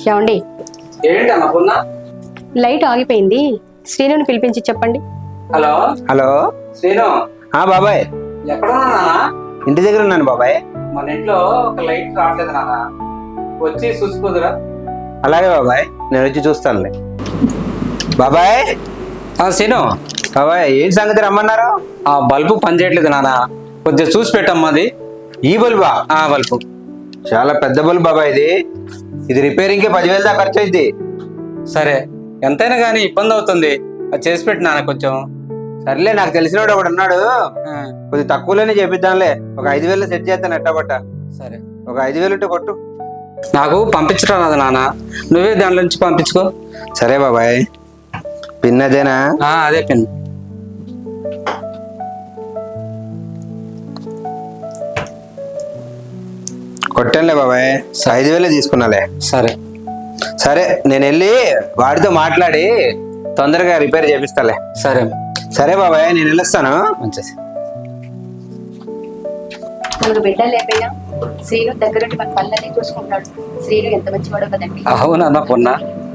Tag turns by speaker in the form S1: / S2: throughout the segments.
S1: ఏమండి,
S2: ఏంటి అన్నపూర్ణ?
S1: లైట్ ఆగిపోయింది, శ్రీనుని పిలిపించి చెప్పండి.
S2: Hello
S3: hello.
S2: శ్రీను,
S3: బాబాయ్,
S2: ఎక్కడున్నా నాన్న?
S3: ఇంటి దగ్గర ఉన్నాను బాబాయ్.
S2: మన ఇంట్లో ఒక లైట్ రావట్లేదు నాన్న, వచ్చి చూసిపోదురా.
S3: అలాగే బాబాయ్, నేను వచ్చి చూస్తానులే. బాబాయ్.
S2: శ్రీను,
S3: బాబాయ్, ఏంటి సంగతి రమ్మన్నారు?
S2: ఆ బల్బు పనిచేయట్లేదు నాన్న, కొద్దిగా చూసి పెట్టమ్మది.
S3: ఈ బల్బా?
S2: ఆ బల్బు
S3: చాలా పెద్ద బల్బు బాబాయ్. ఇది రిపేరింగ్కి 10,000 దాకా ఖర్చు అయింది.
S2: సరే, ఎంతైనా కానీ ఇబ్బంది అవుతుంది, అది చేసి పెట్టి నాన్న కొంచెం.
S3: సర్లే, నాకు తెలిసినోడు ఒకడు ఉన్నాడు, కొద్దిగా తక్కువలోనే చేపిద్దాంలే. ఒక 5,000 సెట్ చేస్తాను ఎట్టబట్ట.
S2: సరే,
S3: ఒక 5,000 ఉంటే కొట్టు.
S2: నాకు పంపించడం రాదు నాన్న, నువ్వే దాంట్లో నుంచి పంపించుకో.
S3: సరే బాబాయ్. పిన్ అదేనా?
S2: అదే పిన్.
S3: కొట్టానులే బాబాయ్, 5,000 తీసుకున్నాలే.
S2: సరే
S3: సరే, నేను వెళ్ళి వాడితో మాట్లాడి తొందరగా రిపేర్ చేపిస్తాలే.
S2: సరే
S3: సరే బాబాయ్, నేను వెళ్ళొస్తాను.
S2: మంచిది.
S1: మనకు బిడ్డ లేకపోయినా శ్రీను దగ్గరుండి మన పనులన్నీ చూసుకుంటాడు. శ్రీను ఎంత మంచివాడో కదండి.
S2: అవునన్నా పొన్నా.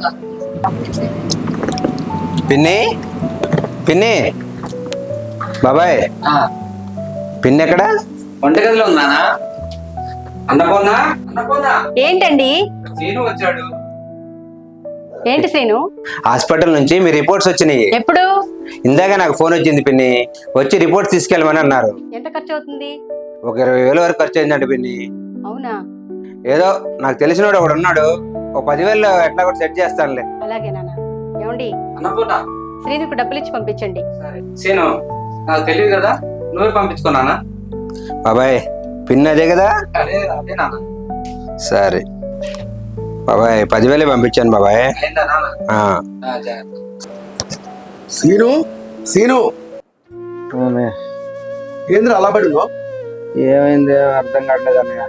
S3: పిన్ని, పిన్ని. బాబాయ్, పిన్ని ఎక్కడ?
S2: వంటగదిలో ఉన్నానా? అన్నపూర్ణ, అన్నపూర్ణ.
S1: ఏంటండి?
S2: శ్రీను వచ్చాడు.
S1: ఏంటి శ్రీను?
S3: హాస్పిటల్ నుంచి మీ రిపోర్ట్స్ వచ్చినాయి.
S1: ఎప్పుడు?
S3: ఇందాక నాకు ఫోన్ వచ్చింది పిన్ని, వచ్చి రిపోర్ట్స్ తీసుకెళ్ళమని అన్నారు.
S1: ఎంత ఖర్చు అవుతుంది?
S3: ఒక 20,000 వరకు ఖర్చు అయిందంట పిన్ని.
S1: అవునా?
S3: ఏదో నాకు తెలిసినోడు ఒకడు ఉన్నాడు, ఒక 10,000 ఎట్లా కూడా సెట్ చేస్తానులే.
S1: అలాగే నాన్న. ఏమండి,
S2: అన్నపూర్ణ.
S1: శ్రీనుకు డబ్బులు ఇచ్చి పంపించండి.
S2: సరే శ్రీను, నాకు తెలియదు కదా, నువ్వే పంపించుకున్నానా?
S3: బాబాయ్, పిన్ అదే కదా?
S2: అదే అదే నాన్న.
S3: సరే బాబాయ్, 10,000 పంపించాను బాబాయ్.
S2: అయిందా నాన్న? జాగ్రత్త.
S4: సీను, సీను, ఏంద్ర అలా పడిందో?
S3: ఏమైంది అర్థం కావట్లేదు అన్నయ్య.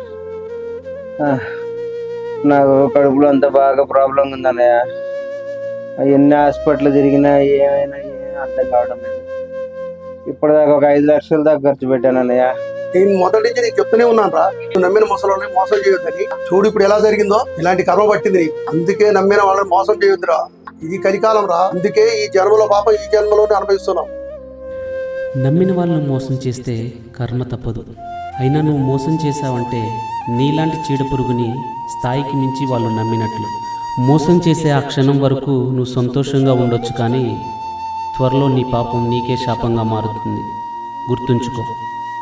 S3: నాకు కడుపులో అంత బాగా ప్రాబ్లం ఉంది అన్నయ్య. ఎన్ని హాస్పిటల్ తిరిగినా ఏమైనా అర్థం కావడం లేదు. ఇప్పటిదాకా ఒక 5 లక్షల దాకా ఖర్చు పెట్టాను అన్నయ్య.
S4: నేను మొదటి నుంచి నీకు చెప్తూనే ఉన్నాను రా, నువ్వు నమ్మిన ముసలోని మోసం చేయొద్దని. చూడు ఇప్పుడు ఎలా జరిగిందో, ఇలాంటి కర్మ పట్టింది నీకు. అందుకే నమ్మిన వాళ్ళని మోసం చేయొద్దురా, ఇది కలికాలం రా. అందుకే ఈ జన్మలో పాపం ఈ జన్మలోనే అనుభవిస్తున్నాం.
S5: నమ్మిన వాళ్ళను మోసం చేస్తే కర్మ తప్పదు. అయినా నువ్వు మోసం చేశావంటే నీలాంటి చీడ పురుగుని స్థాయికి మించి వాళ్ళు నమ్మినట్లు. మోసం చేసే ఆ క్షణం వరకు నువ్వు సంతోషంగా ఉండొచ్చు, కానీ త్వరలో నీ పాపం నీకే శాపంగా మారుతుంది. గుర్తుంచుకో.